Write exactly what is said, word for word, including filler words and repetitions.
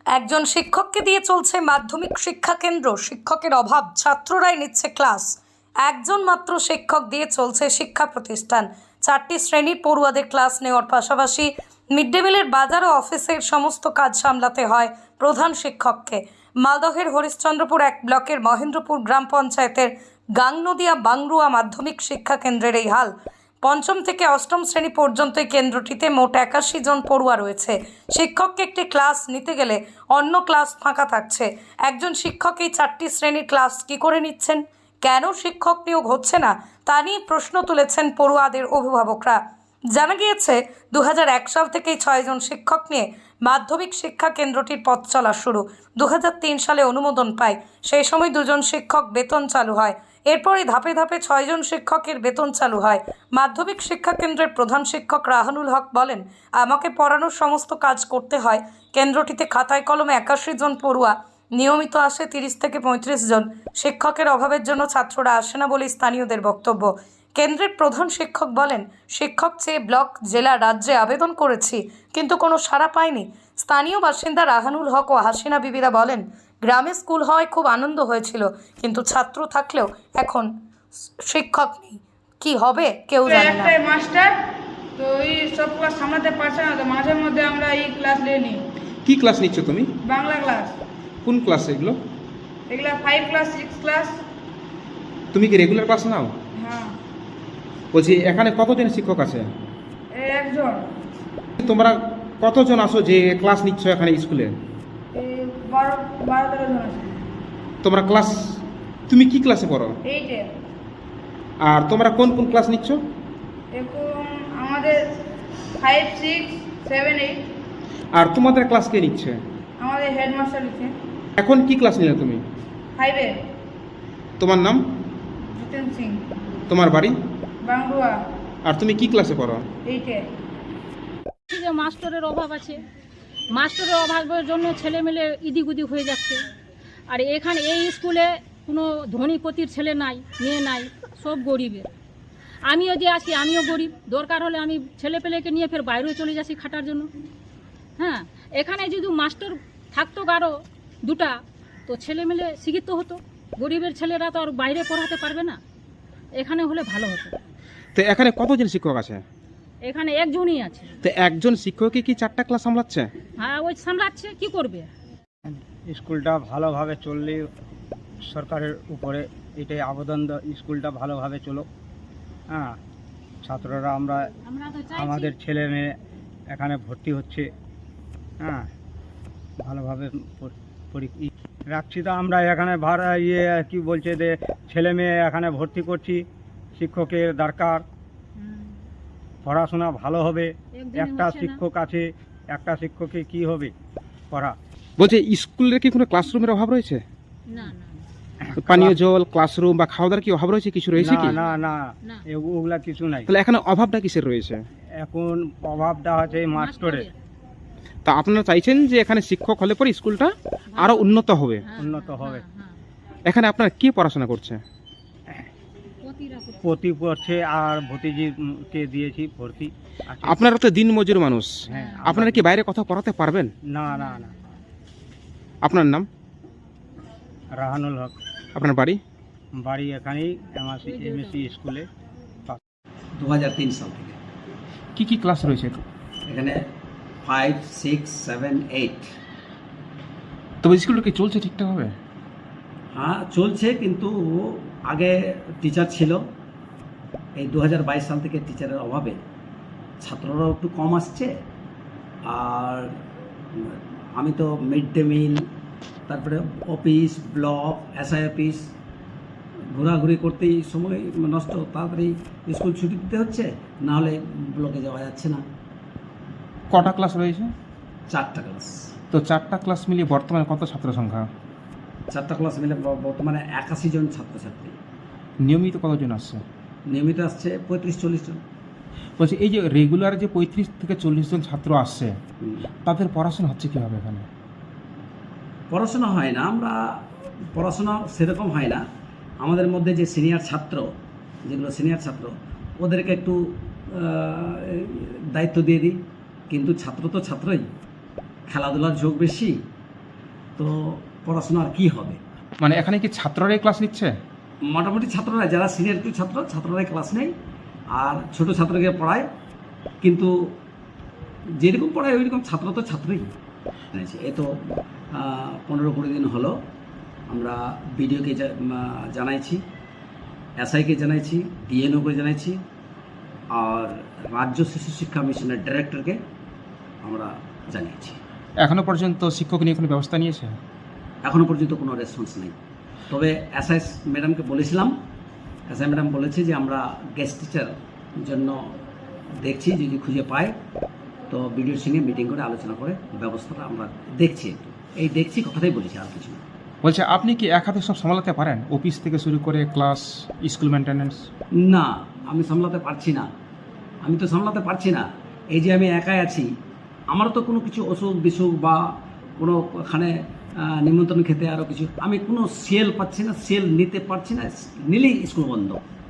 একজন শিক্ষককে দিয়ে চলছে মাধ্যমিক শিক্ষা কেন্দ্র। শিক্ষকের অভাব, ছাত্ররাই নিচ্ছে ক্লাস। একজন মাত্র শিক্ষক দিয়ে চলছে শিক্ষা প্রতিষ্ঠান। চারটি শ্রেণীর পড়ুয়াদের ক্লাস নেওয়ার পাশাপাশি মিড ডে মিলের বাজার ও অফিসের সমস্ত কাজ সামলাতে হয় প্রধান শিক্ষককে। মালদহের হরিশ্চন্দ্রপুর এক ব্লকের মহেন্দ্রপুর গ্রাম পঞ্চায়েতের গাংনদিয়া বাংরুয়া মাধ্যমিক শিক্ষা কেন্দ্রের এই হাল। পঞ্চম থেকে অষ্টম শ্রেণী পর্যন্ত এই কেন্দ্রটিতে মোট একাশি জন পড়ুয়া রয়েছে। শিক্ষককে একটি ক্লাস নিতে গেলে অন্য ক্লাস ফাঁকা থাকছে। একজন শিক্ষক এই চারটি শ্রেণীর ক্লাস কী করে নিচ্ছেন, কেন শিক্ষক নিয়োগ হচ্ছে না, তা নিয়ে প্রশ্ন তুলেছেন পড়ুয়াদের অভিভাবকরা। জানা গিয়েছে দু হাজার এক সাল থেকেই ছয়জন শিক্ষক নিয়ে মাধ্যমিক শিক্ষা কেন্দ্রটির পথ চলা শুরু। দু হাজার তিন সালে অনুমোদন পায়। সেই সময় দুজন শিক্ষক বেতন চালু হয়। এরপরে ধাপে ধাপে ছয়জন শিক্ষকের বেতন চালু হয়। মাধ্যমিক শিক্ষা কেন্দ্রের প্রধান শিক্ষক রাহানুল হক বলেন, আমাকে পড়ানোর সমস্ত কাজ করতে হয়। কেন্দ্রটিতে খাতায় কলমে একাশি জন পড়ুয়া নিয়মিত আসে তিরিশ থেকে পঁয়ত্রিশ জন। শিক্ষকের অভাবের জন্য ছাত্ররা আসে না বলে স্থানীয়দের বক্তব্য। কেন্দ্রের প্রধান শিক্ষক বলেন, শিক্ষক চেয়ে ব্লক, জেলা, রাজ্যে আবেদন করেছি, কিন্তু কোনো সাড়া পাইনি। স্থানীয় বাসিন্দা রাহানুল হক ও হাসিনা বিবিরা বলেন, গ্রামে স্কুল হওয়ায় খুব আনন্দ হয়েছিল, কিন্তু ছাত্র থাকলেও এখন শিক্ষক নেই। কি হবে কেউ জানে না। একটাই মাস্টার, তো এই সব ক্লাস সামলাতে পারছে না, তো মাঝে মধ্যে আমরা এই ক্লাস নিয়ে নিই। কি ক্লাস নিচ্ছ তুমি? বাংলা ক্লাস। কোন ক্লাস এগুলো? এগুলা ফাইভ ক্লাস, সিক্স ক্লাস। তুমি কি রেগুলার ক্লাস নাও? হ্যাঁ। বলছি এখানে কতজন শিক্ষক আছে? এই একজন। তোমরা কতজন আসো যে ক্লাস নিচ্ছ এখানে স্কুলে? এই বারো বারো তেরো জন আছে। তোমরা ক্লাস, তুমি কি ক্লাসে পড়ো? এইটে। আর তোমরা কোন কোন ক্লাস নিচ্ছ? এখন আমাদের ফাইভ, সিক্স, সেভেন, এইট। আর তোমাদের ক্লাস কে নিচ্ছে? আমাদের হেডমাস্টার লিখছে। এখন কি ক্লাস নিলে তুমি? ফাইভে। তোমার নাম? জিতেন সিং। তোমার বাড়ি? বাংরুয়া। আর তুমি কি ক্লাসে পড়ো? এইটে। যে মাস্টারের অভাব আছে, মাস্টারের অভাবের জন্য ছেলেমেলে ইদিক উদিক হয়ে যাচ্ছে। আর এখানে এই স্কুলে কোনো ধনীপতির ছেলে নাই, মেয়ে নাই, সব গরিবের। আমিও যে আছি, আমিও গরিব। দরকার হলে আমি ছেলে পেলেকে নিয়ে ফের বাইরেও চলে যাচ্ছি খাটার জন্য। হ্যাঁ, এখানে যদি মাস্টার থাকতো কারো দুটা, তো ছেলেমেলে শিক্ষিত হতো। গরিবের ছেলেরা তো আর বাইরে পড়াতে পারবে না, এখানে হলে ভালো হতো। তো এখানে কতজন শিক্ষক আছে? এখানে একজনই আছে। তো একজন শিক্ষকই কি চারটা ক্লাস সামলাচ্ছে? হ্যাঁ, ওই সামলাচ্ছে, কি করবে? স্কুলটা ভালোভাবে চললে সরকারের উপরে এটাই আবেদন, স্কুলটা ভালোভাবে চলো। হ্যাঁ, ছাত্ররা আমরা আমরা তো চাইছি আমাদের ছেলে মেয়ে এখানে ভর্তি হচ্ছে। হ্যাঁ, ভালোভাবে পড়- পড়ি- ই- রাখছি। তো আমরা এখানে ভাড়া ইয়ে কি বলছে যে ছেলে মেয়ে এখানে ভর্তি করছি, শিক্ষকের দরকার, হুম, পড়াশোনা ভালো হবে। একদিনে একটা হচ্ছে না। শিক্ষক আছে, একটা শিক্ষকে কি হবে পড়া। বলছে স্কুলের কি কোনো ক্লাসরুমের অভাব রয়েছে? না না পানীয় জল, ক্লাসরুম বা খাওয়া দাওয়ার কি অভাব রয়েছে? কিছু রয়েছে কি? না না না, না। এ- ওগুলা কিছু নাই। তাহলে এখানে অভাবটা কিসের রয়েছে? এখন অভাবটা আছে এই মাস্টরের। তা আপনারা চাইছেন যে এখানে শিক্ষক হলে পরে স্কুলটা আরো উন্নত হবে। হ্যাঁ, উন্নত হ্যাঁ, হবে। হ্যাঁ, এখানে আপনারা কি পড়াশোনা করছে? হ্যাঁ। প্রতিটা করতে- পতি পড়ছে আর ভতিজিকে দিয়েছি ভর্তি আছে। আপনারা তো দিন মজুর মানুষ, হ্যাঁ, আপনারা কি বাইরে কথা পড়াতে পারবেন? না না না। আপনার নাম? রাহানুল হক। আপনার বাড়ি? বাড়ি এখানেই এমএসসি এমএসসি স্কুলে। দু হাজার তিন সাল থেকে কি কি ক্লাস রয়েছে? এখানে ফাইভ, সিক্স, সেভেন, এইট। তবে স্কুলটা কি চলছে ঠিকঠাকভাবে? হ্যাঁ চলছে, কিন্তু আগে টিচার ছিল। এই দু হাজার বাইশ সাল থেকে টিচারের অভাবে ছাত্ররাও একটু কম আসছে। আর আমি তো মিড ডে মিল, তারপরে অফিস, ব্লক, এসআই অফিস ঘোরাঘুরি করতেই সময় নষ্ট। তাড়াতাড়ি স্কুল ছুটি দিতে হচ্ছে, নাহলে ব্লকে যাওয়া যাচ্ছে না। কটা ক্লাস রয়েছে? চারটা ক্লাস। তো চারটা ক্লাস মিলিয়ে বর্তমানে কত ছাত্র সংখ্যা? চারটা ক্লাস মিলে ব- বর্তমানে একাশি জন ছাত্রছাত্রী। নিয়মিত কতজন আসছে? নিয়মিত আসছে পঁয়ত্রিশ চল্লিশ জন। বলছি এই যে রেগুলার যে পঁয়ত্রিশ থেকে চল্লিশ জন ছাত্র আসছে, হুম। তাদের পড়াশোনা হচ্ছে কীভাবে এখানে? পড়াশোনা হয় না, আমরা পড়াশোনা সেরকম হয় না। আমাদের মধ্যে যে সিনিয়র ছাত্র, যেগুলো সিনিয়র ছাত্র, ওদেরকে একটু আহ, দায়িত্ব দিয়ে দিই। কিন্তু ছাত্র তো ছাত্রই, খেলাধুলার ঝোঁক বেশি, তো পড়াশোনা আর কী হবে। মানে এখানে কি ছাত্ররাই ক্লাস নিচ্ছে? মোটামুটি ছাত্ররা যারা সিনিয়র কিছু ছাত্র ছাত্ররাই ক্লাস নেই, আর ছোট ছাত্রকে পড়ায়, কিন্তু যেরকম পড়ায় ওই রকম ছাত্র তো ছাত্রই জানিয়েছে। এ তো পনেরো কুড়ি দিন হলো আমরা বিডিওকে জানাইছি, এসআইকে জানাইছি, ডিএনওকে জানাইছি, আর রাজ্য শিশু শিক্ষা মিশনের ডিরেক্টরকে আমরা জানিয়েছি। এখনো পর্যন্ত শিক্ষক নিয়ে কোনো ব্যবস্থা নিয়েছে? এখনও পর্যন্ত কোনো রেসপন্স নেই। তবে এসআই ম্যাডামকে বলেছিলাম, এসআই ম্যাডাম বলেছে যে আমরা গেস্ট টিচার জন্য দেখছি, যদি খুঁজে পাই তো বিডিওর সঙ্গে মিটিং করে আলোচনা করে ব্যবস্থাটা আমরা দেখছি। এই দেখছি কথাটাই বলেছি, আর কিছু না। বলছে আপনি কি এক হাতে সব সামলাতে পারেন, অফিস থেকে শুরু করে ক্লাস, স্কুল মেনটেন্যান্স? না, আমি সামলাতে পারছি না, আমি তো সামলাতে পারছি না। এই যে আমি একাই আছি, আমারও তো কোনো কিছু অসুখ বিসুখ বা কোনো ওখানে নিমন্ত্রণ খেতে আরও কিছু, আমি কোনো সেল পাচ্ছি না, সেল নিতে পারছি না, নিলেই স্কুল বন্ধ।